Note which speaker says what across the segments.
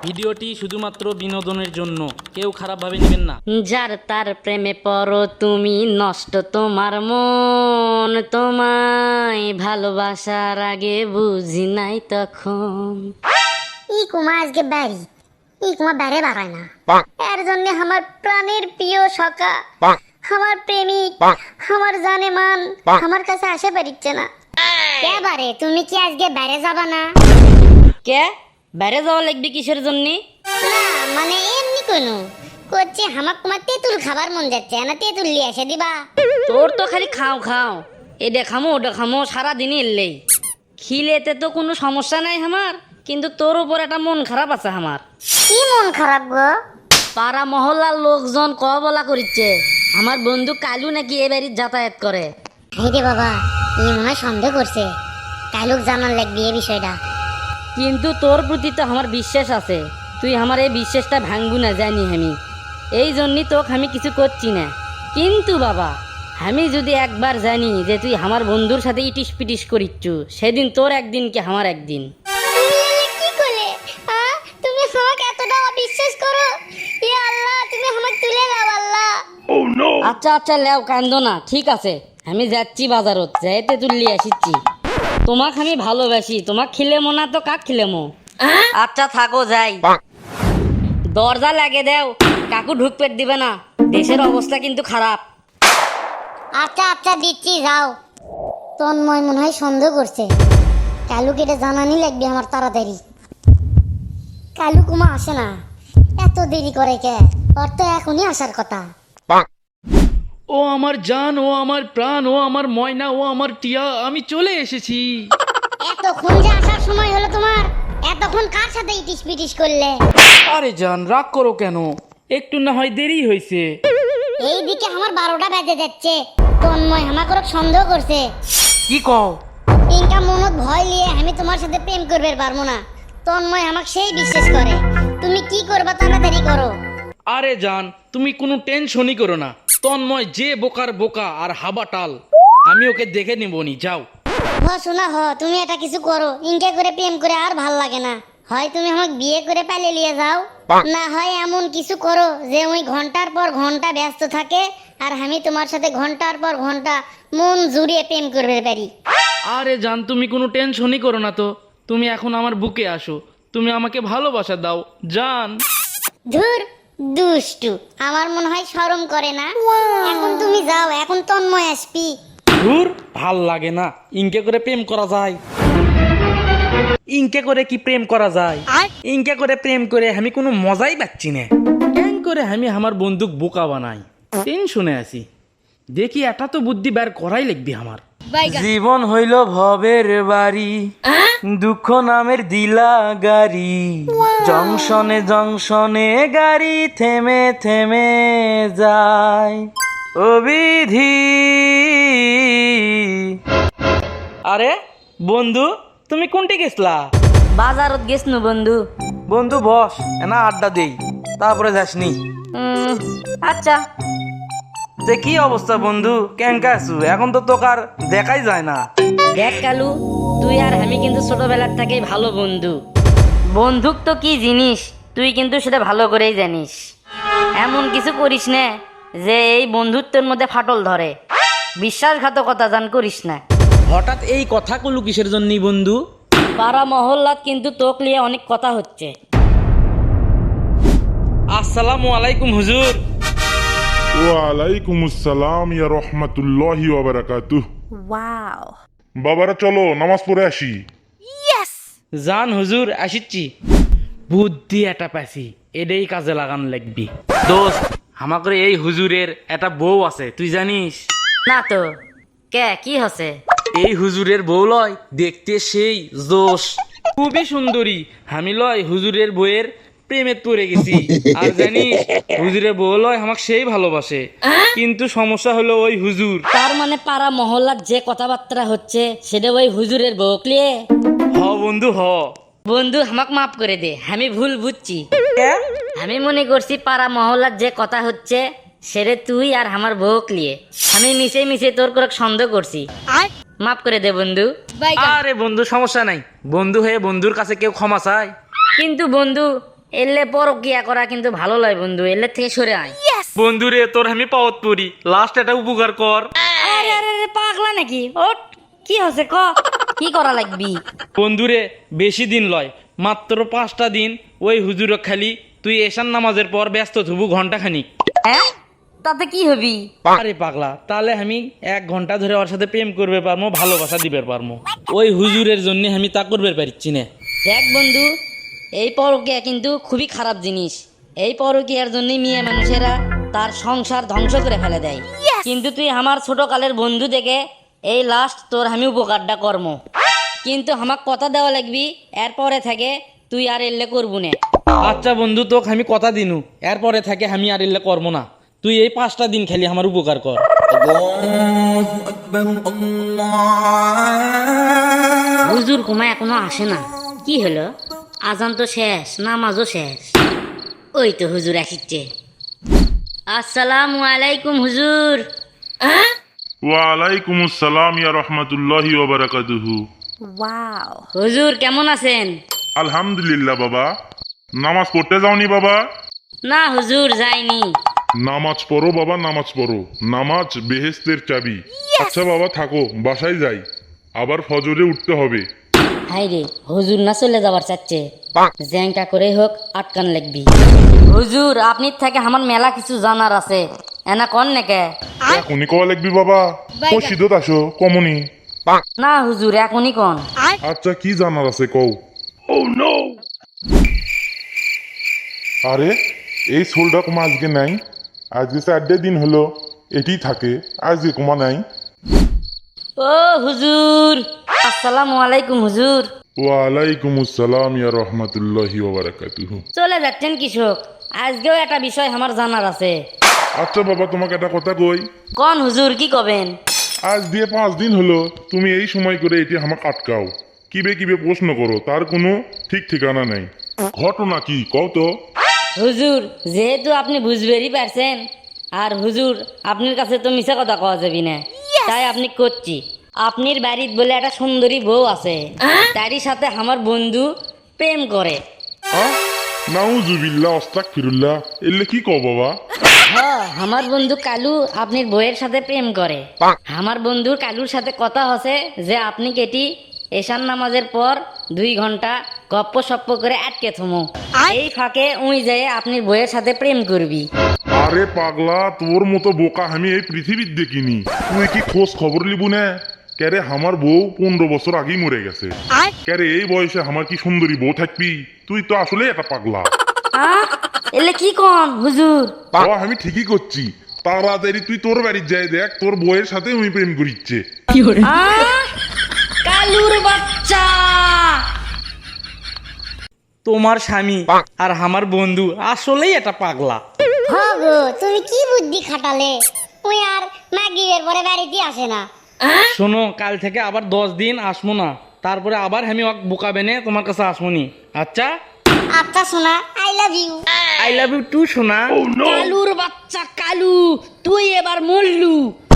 Speaker 1: ভিডিওটি শুধুমাত্র বিনোদনের জন্য, কেউ খারাপভাবে নেবেন না।
Speaker 2: যার তার প্রেমে পড়ো তুমি, নষ্ট তোমার মন, তোমায় ভালোবাসার আগে বুঝি নাই তখন।
Speaker 3: কুমা আজকে বাড়ি কুমা বাইরে বাড়ায় না, এর জন্য আমার প্রাণের প্রিয় সখা, আমার প্রেমিক, আমার জানে মান আমার কাছে আসে পারিচ্ছে না। এবারে তুমি কি আজকে বাইরে যাবা না?
Speaker 2: কে বাইরে যাওয়া লাগবে কিসের জন্য?
Speaker 3: না মানে এমনি কোনো করছে, আমার তোমার তেঁতুল খাবার মন যাচ্ছে না, তেঁতুল নিয়ে এসে দিবা।
Speaker 2: তোর তো খালি খাও খাও, এটা খামো ওটা খামো সারাদিনই এলেই। খিলেতে তো কোনো সমস্যা নাই আমার, কিন্তু তোর উপর একটা মন খারাপ আছে আমার।
Speaker 3: কি মন খারাপ গো?
Speaker 2: পাড়া মহল্লার লোকজন বলা করিচ্ছে আমার বন্ধু কালু নাকি এ বাড়ির যাতায়াত করে।
Speaker 3: রে বাবা, মনে হয় সন্দেহ করছে, কালুক জানার লাগবে এই বিষয়টা।
Speaker 2: কিন্তু তোর প্রতি তো আমার বিশ্বাস আছে, তুই আমার এই বিশ্বাসটা ভাঙবু না জানি আমি, এই জন্যই তোকে আমি কিছু করছি না। কিন্তু বাবা, আমি যদি একবার জানি যে তুই আমার বন্ধুর সাথে ইটিস পিটিস করিচ্ছু, সেদিন তোর একদিন কি আমার একদিন।
Speaker 3: কি করলে? তুমি আমাকে এতটা অবিশ্বাস করো? ইয়া আল্লাহ, তুমি আমাকে তুলে দাও আল্লাহ।
Speaker 2: আচ্ছা আচ্ছা লেও কান্দো না, ঠিক আছে আমি যাচ্ছি বাজারত, যাইতে তুললি আসিচ্ছি। তোমাকে আমি ভালোবাসি, তোমাক খিলেমো না তো কাক খিলেমো? আচ্ছা থাকো যাই। দরজা লাগে দেও, কাকু ঢুকপেট দিবে না, দেশের অবস্থা কিন্তু খারাপ।
Speaker 3: আচ্ছা আচ্ছা দিচ্ছি, যাও। তন্ময় মনে হয় সন্দেহ করছে, কালুকে এটা জানানি লাগবে আমার তাড়াতাড়ি। কালু কুমা আসে না, এত দেরি করে কে? ওর তো এখনই আসার কথা।
Speaker 1: ও আমার জান, ও আমার প্রাণ, ও আমার ময়না, ও আমার টিয়া, আমি চলে এসেছি।
Speaker 3: এতক্ষণ যে আসার সময় হলো তোমার, এতক্ষণ কার সাথে ইটিস পিটিস করলে?
Speaker 1: আরে জান, রাগ করো কেন, একটু না হয় দেরি হয়েছে।
Speaker 3: এইদিকে আমার 12টা বেজে যাচ্ছে, তন্ময় আমাকে সন্দেহ করছে।
Speaker 1: কি কও?
Speaker 3: ইনকা মনত ভয় নিয়ে আমি তোমার সাথে প্রেম করবে পারবো না, তন্ময় আমাকে সেই বিশ্বাস করে। তুমি কি করবা তাড়াতাড়ি করো।
Speaker 1: আরে জান, তুমি কোনো টেনশনই করো না, তন্ময় যে বোকার বোকা আর হাবাটাল, আমি ওকে দেখে নিবনি, যাও।
Speaker 3: শোনা তুমি এটা কিছু করো, ইনকা করে প্রেম করে আর ভাল লাগে না। হয় তুমি আমাকে বিয়ে করে পালিয়ে নিয়ে যাও, না হয় এমন কিছু করো যে ওই ঘন্টার পর ঘন্টা ব্যস্ত থাকে আর আমি তোমার সাথে ঘন্টার পর ঘন্টা মন জুড়িয়ে প্রেম করবে পারি।
Speaker 1: আরে জান, তুমি কোনো টেনশনই করো না তো, তুমি এখন আমার বুকে আসো, তুমি আমাকে ভালোবাসা দাও জান।
Speaker 3: ধুর দুষ্টু, আমার মনে হয় শরম করে না। এখন তুমি যাও, এখন তন্ময় আসবি।
Speaker 1: ধুর, ভাল লাগে না, ইনকে করে প্রেম করা যায়? ইনকে করে কি প্রেম করা যায়? ইনকে করে প্রেম করে আমি কোনো মজাই পাচ্ছি না। কেন করে আমি আমার বন্দুক বোকা বানাই, টেনশনে আছি। দেখি এটা তো বুদ্ধি বের করাই লাগবে আমার। জীবন হইল ভবের বাড়ি, দুঃখ নামের দিলা গাড়ি, জংশনে জংশনে গাড়ি থেমে থেমে যায়, অবিধি। আরে বন্ধু, তুমি কোনটি গেছলা?
Speaker 2: বাজারত গেছনু বন্ধু।
Speaker 1: বন্ধু বস, না আড্ডা দেই, তারপরে যাসনি।
Speaker 2: আচ্ছা।
Speaker 1: তে কি অবস্থা বন্ধু, কেঙ্কা আছু? এখন তো তোকে আর দেখাই যায় না।
Speaker 2: দেখ কালু, তুই আর আমি কিন্তু ছোটবেলার থেকেই ভালো বন্ধু। বন্ধুক তো কি জিনিস তুই কিন্তু সেটা ভালো করেই জানিস। এমন কিছু করিস না যে এই বন্ধুত্বের মধ্যে ফাটল ধরে। বিশ্বাসঘাতকতা জান করিস না।
Speaker 1: হঠাৎ এই কথা কলু কিসের জন্য বন্ধু?
Speaker 2: পাড়া মহল্লাত কিন্তু তোক নিয়ে অনেক কথা হচ্ছে।
Speaker 1: আসসালামু আলাইকুম হুজুর।
Speaker 4: ওয়ালাইকুম আসসালাম ইয়া রহমাতুল্লাহি ওয়া বারাকাতুহু। ওয়াও, বাবারা চলো নামাজ পড়ে আসি।
Speaker 1: জান হুজুর, আসিচ্ছি। বুদ্ধি এটা পাইছি, এটাই কাজে লাগান লাগবি। দোস্ত, আমাকে এই হুজুরের একটা বউ আছে, তুই জানিস?
Speaker 2: না তো, কে কি হচ্ছে?
Speaker 1: এই হুজুরের বউ লয় দেখতে সেই জোশ, খুবই সুন্দরী। আমি লয় হুজুরের বউয়ের প্রেমে পড়ে গেছি। আর জানিস, হুজুরের বউ লয় আমাকে সেই ভালোবাসে, কিন্তু সমস্যা হলো ওই হুজুর।
Speaker 2: তার মানে পাড়া মহল্লার যে কথাবার্তা হচ্ছে সেটা ওই হুজুরের বউক লিয়ে?
Speaker 1: হ বন্ধু হ।
Speaker 2: বন্ধু আমাক মাফ করে দে, আমি ভুল বুঝছি। আমি মনে করছি পাড়া মহল্লার যে কথা হচ্ছে সেটা তুই আর আমার বউক লিয়ে। আমি মিশে মিশে তোর করে সন্দেহ করছি, মাফ করে দে বন্ধু।
Speaker 1: আরে বন্ধু, সমস্যা নাই, বন্ধু হয়ে বন্ধুর কাছে কেউ ক্ষমা চায়?
Speaker 2: কিন্তু বন্ধু, এলে পরকিয়া করা কিন্তু ভালো লয় বন্ধু, এলে থেকে সরে আয়।
Speaker 1: বন্ধু রে, তোর আমি পাওয়াত পড়ি, লাস্ট একটা উপকার কর।
Speaker 2: আরে আরে আরে, পাগলা নাকি? ওট, কি হচ্ছে ক? কি করা লাগবি?
Speaker 1: বন্ধুরে, বেশি দিন লয়, মাত্র 5টা দিন ওই হুজুর খালি তুই এশান নামাজের পর ব্যস্ত থুবু ঘন্টা খানিক।
Speaker 2: হ্যাঁ, তাতে কি হবি?
Speaker 1: আরে পাগলা, তাহলে আমি 1 ঘন্টা ধরে ওর সাথে প্রেম করবে পারমো, ভালোবাসা দিবে পারমো। ওই হুজুরের জন্য আমি তা করবে পারছি না।
Speaker 2: দেখ বন্ধু, এই পরকিয়া কিন্তু খুবই খারাপ জিনিস। এই পরকিয়ার জন্যই মেয়ে মানুষেরা তার সংসার ধ্বংস করে ফেলে দেয়। কিন্তু তুই আমার ছোট কালের বন্ধু থেকে এই লাস্ট তোর আমি উপকারটা কর্ম, কিন্তু আমাকে কথা দেওয়া লাগবি, এরপরে থেকে তুই আর এলে করবো না।
Speaker 1: আচ্ছা বন্ধু, তোকে আমি কথা দিনু, এরপরে থাকে আমি আর এলে করবো না। তুই এই 5টা দিন খালি আমার উপকার কর।
Speaker 2: হুজুর কুমা এখনো আসে না, কি হলো? আজান তো শেষ, নামাজও শেষ। ওই তো হুজুর আসিচ্ছে। আসসালামু আলাইকুম হুজুর।
Speaker 4: ওয়ালাইকুম আসসালাম ইয়া রাহমাতুল্লাহি ওয়া বারাকাতুহু।
Speaker 2: হুজুর কেমন আছেন?
Speaker 4: আলহামদুলিল্লাহ বাবা। নামাজ পড়তে যাওনি বাবা?
Speaker 2: না হুজুর, যাইনি।
Speaker 4: নামাজ পড়ো বাবা, নামাজ পড়ো। নামাজ বেহেশতের চাবি। আচ্ছা বাবা থাকো, বাসায় যাই, আবার ফজরে উঠতে হবে।
Speaker 2: হাই রে, হুজুর না চলে যাবার চাচ্ছে, জ্যাংটা করে হোক আটকান লাগবি। হুজুর, আপনির থেকে আমার মেলা কিছু জানার আছে, এনা কন নাকি?
Speaker 4: এখনই কওয়া লাগবি বাবা? ও সিদ্ধত আসো কমনি।
Speaker 2: না হুজুর, এখনই কন।
Speaker 4: আচ্ছা কি জানার আছে কও। আরে এই সোলটা কুমা আজকে নাই, আজকে 4 দিন হলো এটি থাকে, আজকে কুমা নাই।
Speaker 2: ও হুজুর, আসসালামু আলাইকুম হুজুর।
Speaker 4: ওয়ালাইকুম আসসালাম ইয়া রাহমাতুল্লাহি ওয়া বারাকাতুহু।
Speaker 2: চলে যাচ্ছেন কৃষক, আজকেও একটা বিষয় আমার জানার আছে।
Speaker 4: আচ্ছা বাবা তোমাকে একটা কথা কই।
Speaker 2: কন হুজুর, কি কবেন?
Speaker 4: আজ দিয়ে 5 দিন হলো তুমি এই সময় করে এটি আমাকে আটকাও, কিবে কিবে প্রশ্ন করো, তার কোনো ঠিক ঠিকানা নাই। ঘটনা কি কও তো।
Speaker 2: হুজুর, যেহেতু আপনি বুঝবেরই পারছেন, আর হুজুর আপনার কাছে তো মিছা কথা কওয়া যাবি না, তাই আপনি করছি। আপনার বাড়ির বলে একটা সুন্দরী বউ আছে, তারই সাথে আমার বন্ধু প্রেম করে।
Speaker 4: নাউজুবিল্লাহ আস্তাগফিরুল্লাহ, এলে কি কও বাবা?
Speaker 2: হ্যাঁ, আমার বন্ধু কালু আপনার বউয়ের সাথে প্রেম করে। আমার বন্ধুর কালুর সাথে কথা হচ্ছে যে আপনি কেটি এশান নামাজের পর 2 ঘন্টা গপ্প সপ্প করে আটকে থমো, এই ফাঁকে উই যেয়ে আপনার বউয়ের সাথে প্রেম করবি।
Speaker 4: আরে পাগলা, তোর মতো বোকা আমি এই পৃথিবীর দেখিনি। তুই কি খোঁজ খবর লিবু না? ক্যারে আমার বউ 15 বছর আগেই মরে গেছে। ক্যারে এই বয়সে আমার কি সুন্দরী বউ থাকবি? তুই তো আসলে একটা পাগলা।
Speaker 2: এলে কি কন হুজুর?
Speaker 4: আমি ঠিকই করছি, তাড়াতাড়ি তুই তোর বাড়ি যাই দেখ, তোর বউয়ের সাথে আমি প্রেম করিচ্ছে।
Speaker 2: কালুর বাচ্চা!
Speaker 1: তোমার স্বামী আর আমার বন্ধু আসলেই এটা পাগলা।
Speaker 3: গো, তুমি কি বুদ্ধি খাটালে? ওই আর মাগরিবের পরে বাড়িতে আসে না।
Speaker 1: শোনো, কাল থেকে আবার 10 দিন আসবো না, তারপরে আবার আমি ওকে বোকাবে নে তোমার কাছে আসবনি। আচ্ছা
Speaker 3: আচ্ছা সোনা, I love you.
Speaker 1: I love you too সোনা।
Speaker 2: কালুর বাচ্চা কালু, তুই এবার মরলু।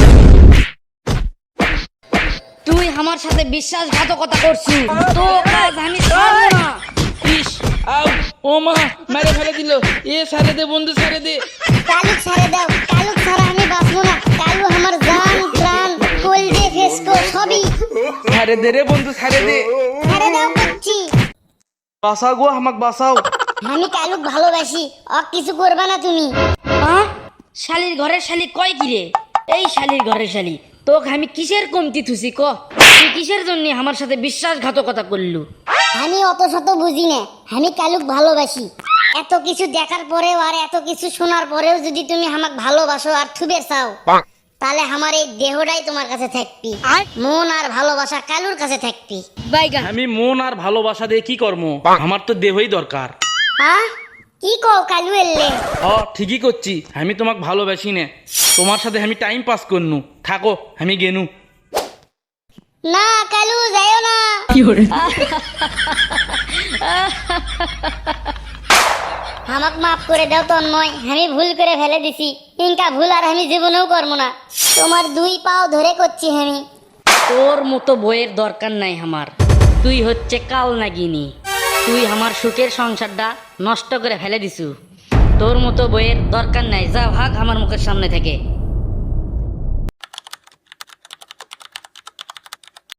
Speaker 2: তুই আমার সাথে বিশ্বাসঘাতকতা করছিস, তো কাজ আমি ছাড়বো না।
Speaker 1: ইস, আউ, ও মা, মেরে ফেলে দিল। এ ছেড়ে দে বন্ধু, ছেড়ে দে।
Speaker 3: কালু ছেড়ে দাও, কালু ছাড়া আমি বাঁচবো না। কালু আমার জান প্রাণ, কলজে ফেসকো সবই।
Speaker 1: ছেড়ে দে রে বন্ধু, ছেড়ে দে।
Speaker 3: ছেড়ে দাও করছি।
Speaker 1: বাঁচাও গো, আমাকে বাঁচাও।
Speaker 3: আমি কালুক ভালোবাসি, কিছু করবা না তুমি।
Speaker 2: শালির ঘরের শালি কয় কি রে? এই শালির ঘরের শালি, তোকে আমি কিসের কমতি থুসি ক? তুই কিসের জন্য আমার সাথে বিশ্বাসঘাতকতা করলু?
Speaker 3: আমি অত শত বুঝি না, আমি কালুক ভালোবাসি। এত কিছু দেখার পরেও আর এত কিছু শোনার পরেও যদি তুমি আমাকে ভালোবাসো আর থুবে চাও, তাহলে আমার এই দেহটাই তোমার কাছে থাকবি, মন আর ভালোবাসা কালুর কাছে থাকবি।
Speaker 2: বাইগান!
Speaker 1: আমি মন আর ভালোবাসা দিয়ে কি করব? আমার তো দেহই দরকার।
Speaker 3: কি কও কালু এলে?
Speaker 1: ঠিকই করছি, আমি তোমাকে ভালোবাসি না, তোমার সাথে আমি টাইম পাস করনু। থাকো, আমি গেনু।
Speaker 3: না কালু যাইও না। আমাক মাফ করে দাও তন্ময়, আমি ভুল করে ফেলে দিছি। ইনকা ভুল আর আমি জীবনেও করবো না। তোমার 2 পাও ধরে করছি আমি।
Speaker 2: তোর মতো বইয়ের দরকার নাই আমার। তুই হচ্ছে কাল নাগিনী, তুই আমার সুখের সংসারটা নষ্ট করে ফেলে দিছু। তোর মতো বইয়ের দরকার নাই, যা ভাগ আমার মুখের সামনে থেকে।